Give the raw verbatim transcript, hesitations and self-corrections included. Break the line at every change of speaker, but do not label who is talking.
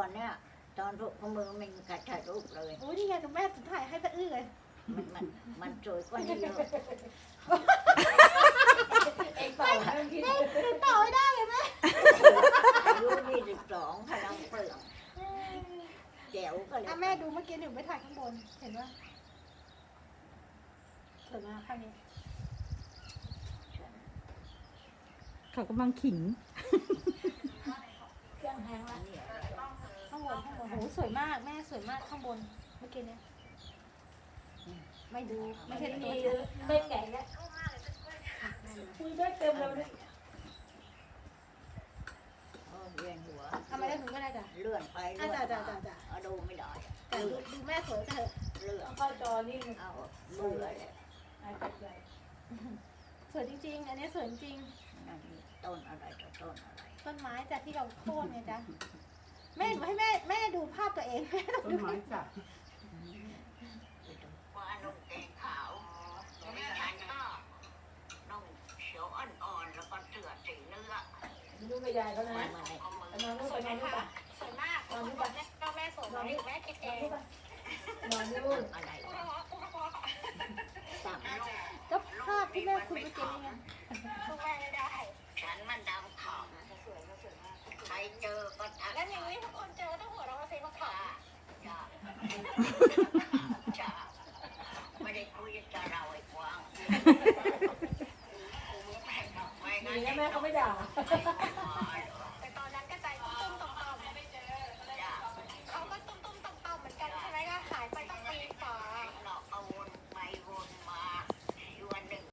ก่อนเนี่ยตอนรูปของมือมันกระถ่ายรูปเลย
โอ้ยนี่ไงกับแม่ถ่ายให้ตะอื้อเลย
มันมันมันสวยกว่านี้เยอะ
เองต่อให้มันคิด
ต่อไม่ได้เลยแม่
อายุยี่สิบสองพลังเปลืองแจ๋วก็เลย
อ่ะแม่ดูเมื่อกี้หนูไปถ่ายข้างบนเห็นว่าสวยมากภาพนี้
เขากำลังขิง
เครื่องแห้งละ
เนี่ย
ข้างบนข้างบนโหสวยมากแม่สวยมากข้างบนเมื่อกี้เนี่ยไม่ดูไม่เห็น
มี
ตัว
ไม่แก่แล้วคุยได้เต็มเลย
เออเวียนหัว
ทำไมได้หนูไม่ได้จ้ะ
เลื่อนไป
อ่ะ
เลื่อน
จ้ะ
มา
จ้ะจ้ะ
เอาดูไม่ได้อะ
แต่ดูดูแม่สวยแต่เถอะ
เลื่อน
เข้าจอนี่
เอาเบื่อเลย
ไอ้เป็ดใหญ่
สวยจริงๆ อันนี้สวยจริง
นั่นต้นอะไรต่อต้นอะไร
ต้นไม้จากที่เราโค่นไงจ๊ะแม่หนูให้แม่แม่ดูภาพตัวเองแม่ต้อง
ต้น
ดู
ไม้จับ
ว่านุ่งแกงขาวไม่ฉันก็นุ่งเขียวอ่อนๆแล้วก็เสื้อสีเนื้อ
ดูกระยายเขานะ
มามาใน
นอนนู่นนอนนู่นปะ
สวยมากนอนดูก่อนก็แม่สวยไหมแม่คิดเอง
นอนนู่น
อะไรวะสามลูก
ก็ภาพที่แม่คุยเมื่อกี้นี่ไง
สู้แม่ไม่ได้ ฉันมันดำขาวใครเจอก็ทัก
แล้วอย่างนี้ทุกคนเจอต้องหัวเราะเซ็งมาขาด
จ้าจ้าไม่ได้คุยจะเราไอ้กวางไม่งั้น
ดีนะแม่เขาไม่ด่า
ไม่